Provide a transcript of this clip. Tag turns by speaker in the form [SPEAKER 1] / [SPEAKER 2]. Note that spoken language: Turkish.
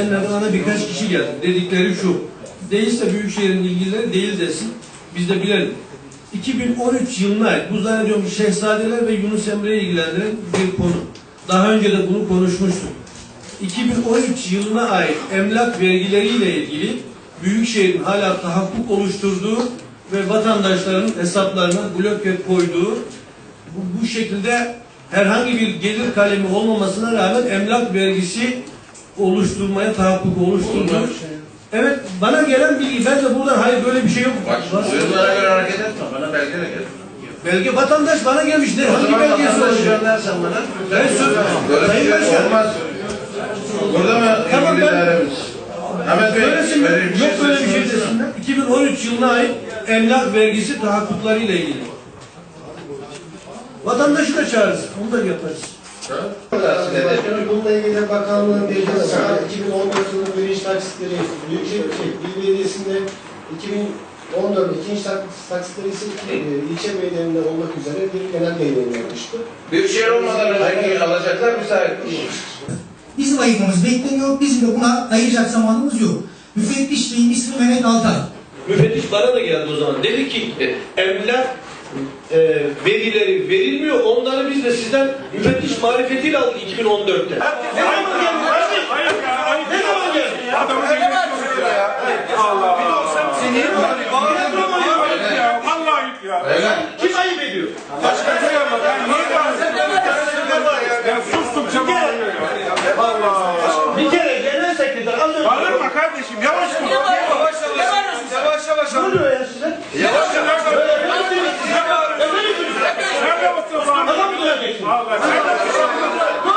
[SPEAKER 1] Bana birkaç kişi geldi. Dedikleri şu. Değilse Büyükşehir'in ilgileri değil desin. Biz de bilelim. 2013 yılına ait, bu zannediyorum Şehzadeler ve Yunus Emre'yi ilgilendiren bir konu. Daha önce de bunu konuşmuştuk. 2013 yılına ait emlak vergileriyle ilgili Büyükşehir'in hala tahakkuk oluşturduğu ve vatandaşların hesaplarına bloke koyduğu bu şekilde herhangi bir gelir kalemi olmamasına rağmen emlak vergisi oluşturmaya tahakkuk oluşturdu. Evet, bana gelen bilgi, ben de buradan hayır böyle bir şey yok.
[SPEAKER 2] Bak, duyumlara göre hareket etme, bana belge de gel.
[SPEAKER 1] Belge vatandaş bana gelmiş. Ne? Hangi belgesi olacak?
[SPEAKER 2] Göndersen bana.
[SPEAKER 1] Ben
[SPEAKER 2] Böyle
[SPEAKER 1] Sayın
[SPEAKER 2] bir şey
[SPEAKER 1] Başkan.
[SPEAKER 2] olmaz. Burada mı
[SPEAKER 1] Tamam,
[SPEAKER 2] ilgili
[SPEAKER 1] ben-
[SPEAKER 2] dairemiz? Ahmet Bey,
[SPEAKER 1] Söylesinler.
[SPEAKER 2] böyle bir şey
[SPEAKER 1] Yok böyle bir şey
[SPEAKER 2] söylesiniz.
[SPEAKER 1] desinler. 2013 yılına ait emlak vergisi tahakkuklarıyla ilgili. Vatandaşı da çağırırız. Onu da yaparız.
[SPEAKER 3] Başkanım, bununla ilgili bakanlığın bilgisi 2014 yılının birinci taksitleri Büyükşehir Belediyesi'nde 2014 ikinci taksitleri ise ilçe belediyelerinde olmak üzere bir genel yayınlanmıştı.
[SPEAKER 2] Büyükşehir olmadan önceki alacaklar müsait değil.
[SPEAKER 4] Bizim ayırmamız bekleniyor. Bizim de buna ayıracak zamanımız yok. Müfettiş Bey'in ismi Mehmet Altay.
[SPEAKER 1] Müfettiş bana da geldi o zaman. Dedi ki emlak verileri verilmiyor. Onları biz de sizden müfettiş marifetiyle aldık 2014'te. Ne zaman geldi? Ne zaman geldi?
[SPEAKER 5] Adamı Allah. Allah ya.
[SPEAKER 1] Kim ayıp ediyor?
[SPEAKER 5] Ya sustum çabuk. Allah.
[SPEAKER 1] Bir kere genel sekreter az önce...
[SPEAKER 5] Bağırma kardeşim, yavaş dur.
[SPEAKER 1] Yavaş. Ne oluyor ya size?
[SPEAKER 5] Yavaş dur.
[SPEAKER 1] Sen de
[SPEAKER 5] Sen de mısın?
[SPEAKER 1] Adam mı duracaksın?
[SPEAKER 5] Allah. Sen de mısın?